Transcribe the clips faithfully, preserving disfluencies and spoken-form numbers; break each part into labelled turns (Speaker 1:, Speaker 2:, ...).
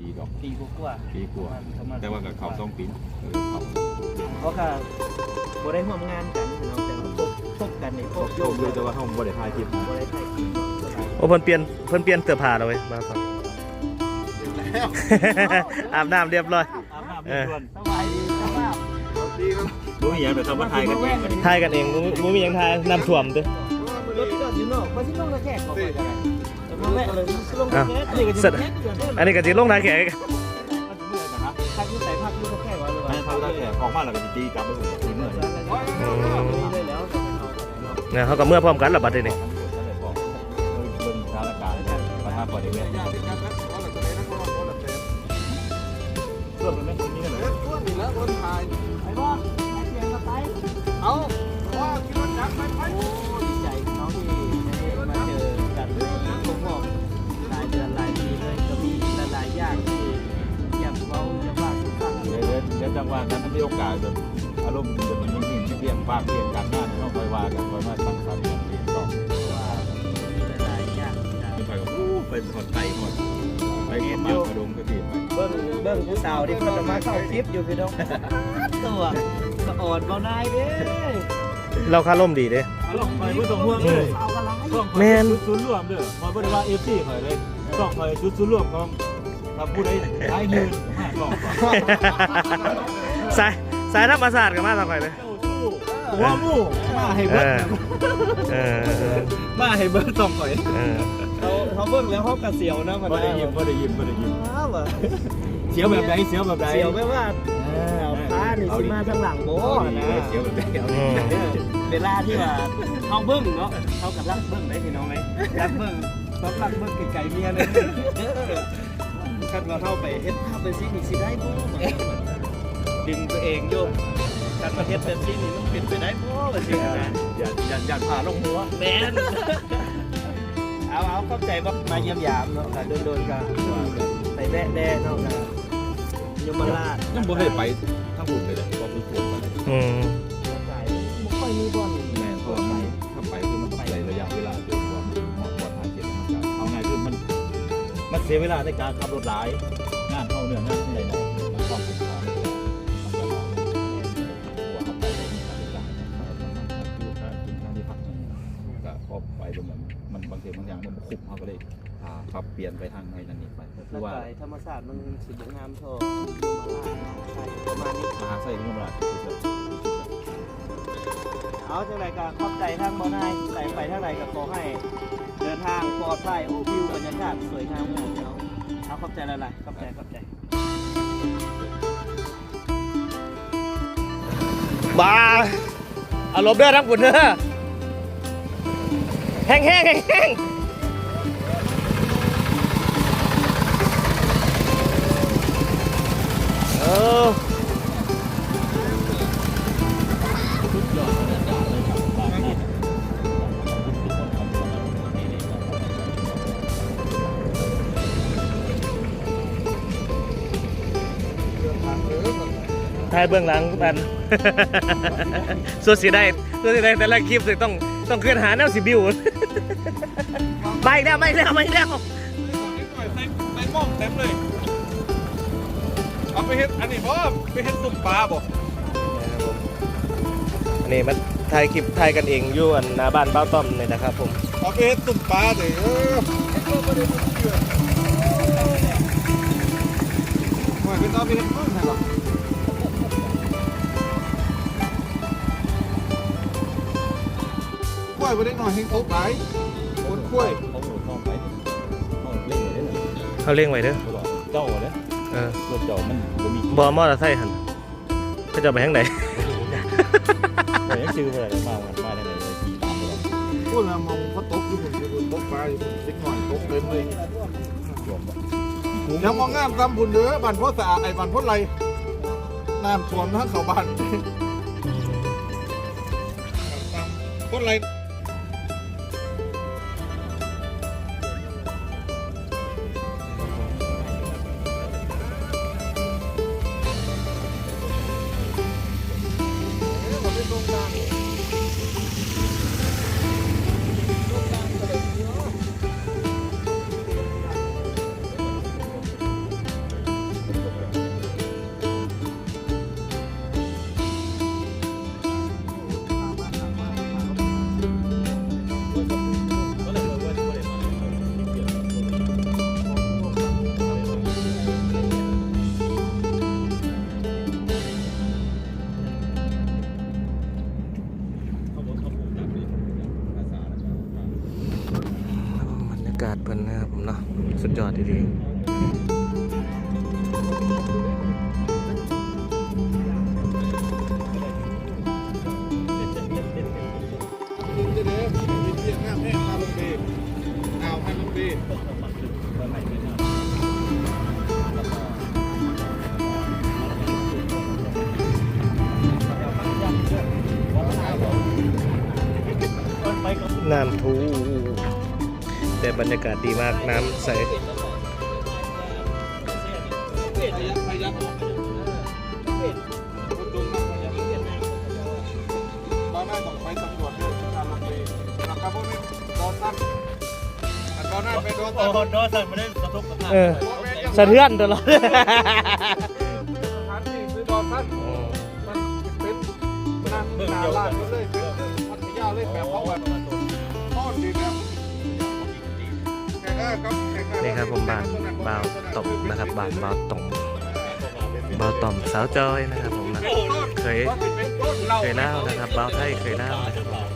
Speaker 1: ปีดอก
Speaker 2: ปีกว่า
Speaker 1: ปีกว่าแต่ว่ากับเขาต้องปีเขา
Speaker 2: เพราะก็บ่ได้ร่วมงานกันเราแต่พบพบกันในพบโยม
Speaker 1: เลยแต่ว่าเขาบ่ได้ถ่ายคลิป
Speaker 2: บ่ได้ถ่ายคลิป
Speaker 3: โอ้เพิ่นเปลี่ยนเพิ่นเปลี่ยนเสื้อผ้าแล้วเว้ยมาฟังอาบน้ำเรียบร้อย
Speaker 2: อาบน้ำเรียบร้อยสบายดีสบาย
Speaker 1: ดีครับรู้อย่างแบบทำมาถ่ายกันเอง
Speaker 3: ถ่ายกันเองบ่มีหยังถ่ายน้ำท่วมเด้อ
Speaker 2: รถที่จอดอยู่นอกบ่สิลงตะแคกเข้าไปก็ได้จะมาแวะเลยสิลงตะแคกอันนี้ก็สิ
Speaker 3: อันนี้ก็สิลงตะแคก
Speaker 2: พักอยู่ใส่พักอยู่ตะแคกว่าเลยว่า
Speaker 1: พักตะแคกออกมาแล้วก็สิตีกลับไปหุ่นตีเมื่อย
Speaker 3: เนี่ยเขาก็เมื่อพร้อมกันล่ะบัดนี้
Speaker 1: เบิ่งสถานการณ์ประทับบ่ได้แม่ส่วนมันไม่มีกันเลย
Speaker 2: ส่วนนี่แล้วคนถ่ายไปบ่ให้เสียงก็ไปเอาว่าคิดว่าจักไปไปโอ้ดีใจน้องที่ได้มาเจอกันในทุกรอบหลายเดือนหลายปีเลยก็มีหลายๆอย่างที่อยากเว้าอยากว่าสุฟัง
Speaker 1: เดี๋ยวเดี๋ยวจังหวะนั้นมีโอกาสแบบอารมณ์จะมันนิ่งๆเรียงปากเรียงกันหน้าต้องคอยว่ากันคอยมาตั้งสติดีต่อ
Speaker 2: ว่ามีหลายอย่าง
Speaker 1: ไปกับอู้เป็นหดไทยหมดไปกับมากระดงกระดิ่ง
Speaker 2: เบิ้งเบิ้งผู้สาวที่เพิ่นจะมาเข้าคลิปอยู่พี่น้องตัวสะอ่อนเบาหน่ายเด้
Speaker 3: เราคาร่มดีเด้
Speaker 1: อารมณ์ไปบ่ต้องห่วงเลย
Speaker 3: แม่น
Speaker 1: ศูนย์รวมเด้อมาบ่ได้ว่า เอฟ ซี ข่อยเลยต้องข่อยจุดศูนย์รวมของถ้าผู้ใดหายหื่นห้าลองก่อน
Speaker 3: สายสายธรรมศาสตร์ก็มาทางข่อยเลย
Speaker 1: หัวหมู่มาให้เบิด
Speaker 3: เออ
Speaker 1: มาให้เบิดต้องข่อย
Speaker 3: เออ
Speaker 2: เขาเขาเบิ่งแล้วเขากระเสียวนะมัน
Speaker 1: บ่ได้ยิ้มบ่ได้ยิ้มบ่ได้ยิ้ม
Speaker 2: อ้าว
Speaker 1: เสียวแบบใดเสียวแบบใด
Speaker 2: เสียวแบบว่าเอาผ้านี่สิมาทางหลังโบนะ
Speaker 1: เสียวแบบใด
Speaker 2: เวลาที่ว่าเขาเบิ่งเนาะเขากับรักเบิ่งได้พี่น้องเลยรักเบิ่งต้องรักเบิ่งไกลๆเมียเลยคันว่าเข้าไปเฮ็ดภาพเป็นสิ่งนี้สิได้บ่ดึงตัวเองโยมการประเทศเป็นสิ่งนี้มันเป็นไปได้บ่ว่าสินะ
Speaker 1: อย่าอย่าอย่าผ่าลงหัว
Speaker 2: แม่นเอาเอาเข้าใจว่ามาเยี่ยมยามเนาะค่ะโดนๆกันไปแวะแน่เนาะค่ะยมราช
Speaker 1: ยังบ่ได้ไปทั้งบุญเลยบ่มีส่วนไป
Speaker 3: อืม
Speaker 2: บ่ค่อยมีบ่อน
Speaker 1: แม่นเพราะไปถ้าไปคือมันต้องใช้ระยะเวลาจนกว่าหมดปลอดภัยเจ็บมันจะเอาไงคือมันมันเสียเวลาในการขับรถหลายงานเท่าเนื่องงานอะไรนะมันต้องเป็นทางมันจะหัวเข้าไปในการจัดอยู่การกินทางที่พักก็พอไปตรงนั้นมันบางทีบางอย่างมันคุบเขาก็เลยปรับเปลี่ยนไปทางในนั้นนี่ไปคือว่า
Speaker 2: ธรรมศาสตร์มันสิบงามโทประมาณนี้
Speaker 1: มหาไส้ที่ยมราช
Speaker 2: เอาจังไรก็ขอบใจทั้งบ่อนายใส่ไปทั้งไรก็ขอให้เดินทางปลอดภัยโอ้วิวบรรยากาศสวยงามมากเนาะเอาขอบใจอะไรขอบใจขอบใจ
Speaker 3: บ้าอารมณ์เด้อทั้งคุณเด้อแห้งแห้งแห้งแห้งเออถ่ายเบื้องหลังกันส่วนสีได้ส่วนสีได้แต่ละคลิปต้องต้องเคลื่อนหาแนวสีบิวไม่แล้วไม่แล้วไม่แล้ว
Speaker 1: ในหม้อเต็มเลยเอาไปเฮ็ดอันนี้บ่ไปเฮ็ดตุ่มปลาบ่
Speaker 3: อันนี้มันถ่ายคลิปถ่ายกันเองอยู่อันหน้าบ้านเบ้าต้อมเลยนะครับผม
Speaker 1: เอาไปเฮ็ดตุ่มปลาเด้อว่าเป็นเอาไปเฮ็ดพึ่งใช่หรอล้วยไปได้หน่อยให้เขาไปคนกล้วยเขาหนุนน้องไปเขาเล่งไว้ได้เลย
Speaker 3: เขาเล่งไว้เด้อ
Speaker 1: เจ้าเลย
Speaker 3: เออ
Speaker 1: รถเจ้ามันบ่มี
Speaker 3: บอมอเตอร์ไซค์หันเขาจะไปทางไหน
Speaker 1: ไปยังชื่ออะไรมาวันมาได้ไหนเลยขี่ตามไปแล้วพูดแล้วมองเขาตกอยู่บนบนตกปลาอยู่เล็กหน่อยตกเต็มเลยยังมองงามกำบุญเด้อบ้านพ่อสะอาดไอ้บ้านพ่อไรน้ำท่วมทั้งเขาบ้านพ่อไร
Speaker 3: อดดีๆน้ำทูแต่บรรยากาศดีมากน้ำใส
Speaker 4: ตอนนั้นต้องไปสำรวจเรื่องการลงเรือนะครับพวกนี้โดนตั้งตอนนั้นไปโดน
Speaker 1: โอ้
Speaker 4: ตั้ง
Speaker 1: โหโดนสั่นไม่ได้กระทบกระทั่ง
Speaker 3: เออสะเทือนตลอด
Speaker 4: สถานที่คือโดนตั้งมันเป็นนั่งนาลาดก็เลยเป็นพัทยาเลยแบบเขาแบบต้อนดีแบบแข่งได้ครับแข่งได้
Speaker 3: นี่ครับผมบานบาวตบนะครับบานบาวตบเบาต่อมสาวจอยนะครับผมนะเคยเคยเล่านะครับเบาไทยเคยเล่านะครับผม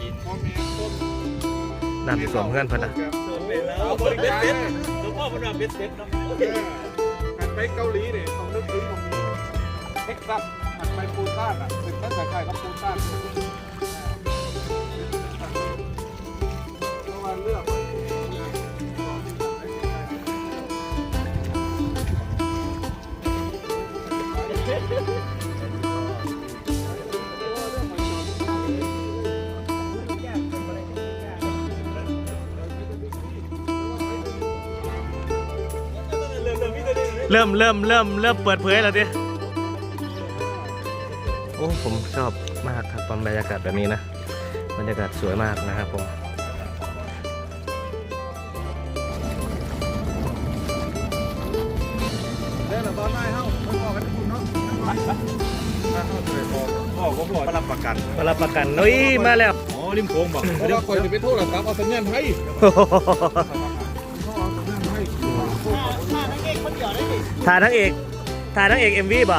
Speaker 3: นั่นสวมเพื่อนพอนะ
Speaker 1: บริเวณเซ็ตหลวงพ่อพระรามเป็นเซ็ตเนาะ
Speaker 4: หันไปเกาหลีเนี่ยต้องนึกถึงตรงนี้เท็กซัสหันไปปูซ่านอ่ะเป็นตั้งแต่ใครกับปูซ่านเพราะว่าเลือก
Speaker 3: เริ่มเริ่มเริ่มเริ่มเปิดเผยแล้วดิโอ้ผมชอบมากครับตอนบรรยากาศแบบนี้นะบรรยากาศสวยมากนะครับผม
Speaker 4: เล่นตอนไหนเฮ้าไม่บอกกันคุณเนาะถ้าเขาจะไปบอก
Speaker 1: พ่อก็บอกรับประกัน
Speaker 3: มารับประกันนุ้ยมาแล้ว
Speaker 1: อ๋อริมโค้งบอก
Speaker 4: เพราะว่าคอยจะไปโทษหลักทรัพย์เอาสัญญาณให้เขาเอาสัญญาณให้
Speaker 3: ถ่ายทั้งเอกถ่ายทั้งเอกเอ็มวีป่ะ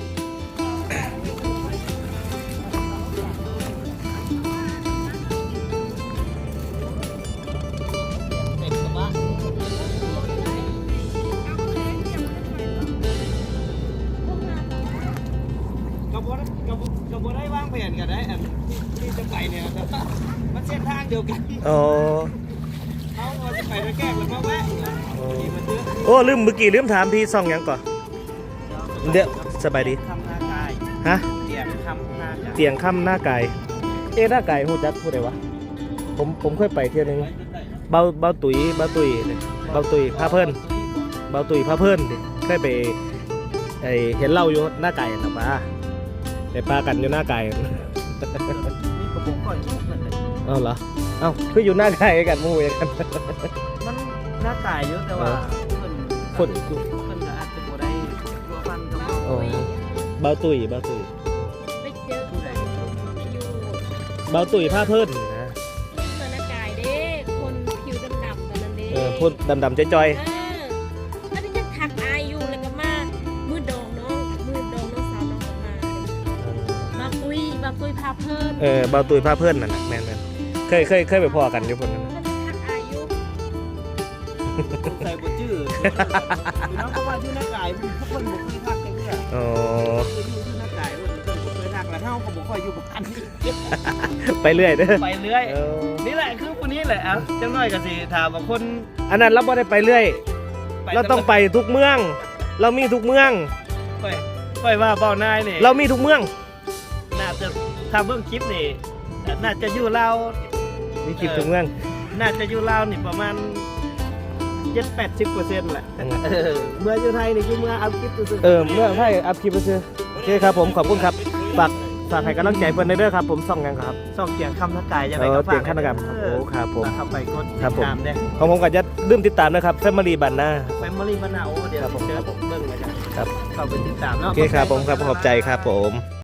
Speaker 2: กระบวนกระบวนกระบวนได้วางแผนกันได้อันที่ที่จะไปเนี่ยแต่ว่ามันเส้นทางเดียวกัน
Speaker 3: อ๋อ
Speaker 2: เขาเอาจะไปแล้วแกล้งแล้วก็แวะนี่มันเยอะ
Speaker 3: โอ้ลืมเมื่อกี้ลืมถามพี่ซองหยังก่อนเดี๋ยวสบายดี
Speaker 2: คำหน้ากาย
Speaker 3: ฮะ
Speaker 2: เตียงคำหน้ากาย
Speaker 3: เตียงค่ำหน้าไก่เอ๊ะหน้าไก่หูจักพูดได้วะผมผมเคยไปเที่ยวนึงเบาเบาตุ๋ยเบาตุ๋ยเบาตุ๋ยพาเพิ่นเบาตุ๋ยพาเพิ่นดิเคยไปไอเห็นเหล่าอยู่หน้าไก่นะป้าไปปลากันอยู่หน้าไก่
Speaker 2: นี่กระบอกก่อนยุ่งกันเลย
Speaker 3: เอ้าเหรอเอ้าคืออยู่หน้าไก่กันหมู่อย่างกัน
Speaker 2: มันหน้ากายเยอะแต่ว่าเพิ่น
Speaker 3: คน
Speaker 2: เพิ่นก็อาจจะบ่ได้ตัวฟันกับเรา
Speaker 3: อ๋อเบาตุ๋ยเบาตุ๋ย
Speaker 5: ไปเจอ
Speaker 2: ผู้ใด
Speaker 5: อยู่
Speaker 3: เบาตุ๋ยพาเพิ่นนะ
Speaker 5: เสื้อหน้ากายเด้คนผิวดำๆตอนนั้นเด้
Speaker 3: เออพูดดำๆจ้อย
Speaker 5: เอออันนี้ยังทักอายอยู่แล้วก็มามือดองน้องมือดองน้องสาวน้องออกมามาตุยมาตุยพาเพิ่ม
Speaker 3: ๆเออเบาตุ๋ยพาเพิ่นนั่นน่ะแม่นๆเคยเคยเคยไปพอกันอยู่คนนั้น
Speaker 5: ก็จะทักอายอยู่
Speaker 2: ใส่บ่ชื่อพี่น้องก็ว่าชื่อหน้ากายมันทุกคนบ่เคยทักกันเนี่ย
Speaker 3: อ๋อ
Speaker 2: คืออยู่ชื่อหน้ากายเพิ่นเพิ่นบ่เคยทักแล้วเฮาก็บ่ค่อยอยู่บ้าน
Speaker 3: ไปเรื่อยเด้อ
Speaker 2: ไปเรื่อย
Speaker 3: เออ
Speaker 2: นี่แหละคือคนนี้แหละอ่ะจังน้อยก็สิถามว่าคน
Speaker 3: อันนั้นเราไม่ได้ไปเรื่อย เราต้องไปทุกเมือง เรามีทุกเมือง
Speaker 2: ไปไปว่าเบ้านายนี่
Speaker 3: เรามีทุกเมือง
Speaker 2: น่าจะถ้าเบิ่งคลิปนี่น่าจะอยู่ลาว
Speaker 3: มีคลิปทุกเมือง
Speaker 2: น่าจะอยู่ลาวนี่ประมาณ เจ็ดแปดสิบเปอร์เซ็นต์แหละ
Speaker 3: อืม
Speaker 2: เออเมื่ออยู่ไทยนี่คือเมื่อเอาคลิปซื่อๆ
Speaker 3: เออเมื่อให้อัพคลิปไปซื้อโอเคครับผมขอบคุณครับฝากฝากให้กำลังใจเพื่อนในเด้อครับผมส่องยังครับ
Speaker 2: ส่องเสียงคำทักกายจัง
Speaker 3: เอ
Speaker 2: ได๋
Speaker 3: อ
Speaker 2: ก็
Speaker 3: เตียงขั้นกรรม
Speaker 2: เอ
Speaker 3: โอ้
Speaker 2: อ
Speaker 3: ครับผม
Speaker 2: เข้าไปกด
Speaker 3: ครับผม
Speaker 2: ติดตามเด้
Speaker 3: ของผมก็จะลืมติดตามนะครับแฟมิลี่บันนะ
Speaker 2: แฟมิลี่มะนาวเดี๋ยว
Speaker 3: ครับผม
Speaker 2: เจอผมเบิ่งมาจ้ะ
Speaker 3: ครับ
Speaker 2: เข้าไปติดตามเนาะ
Speaker 3: โอเคครับผมครับขอบใจครับผม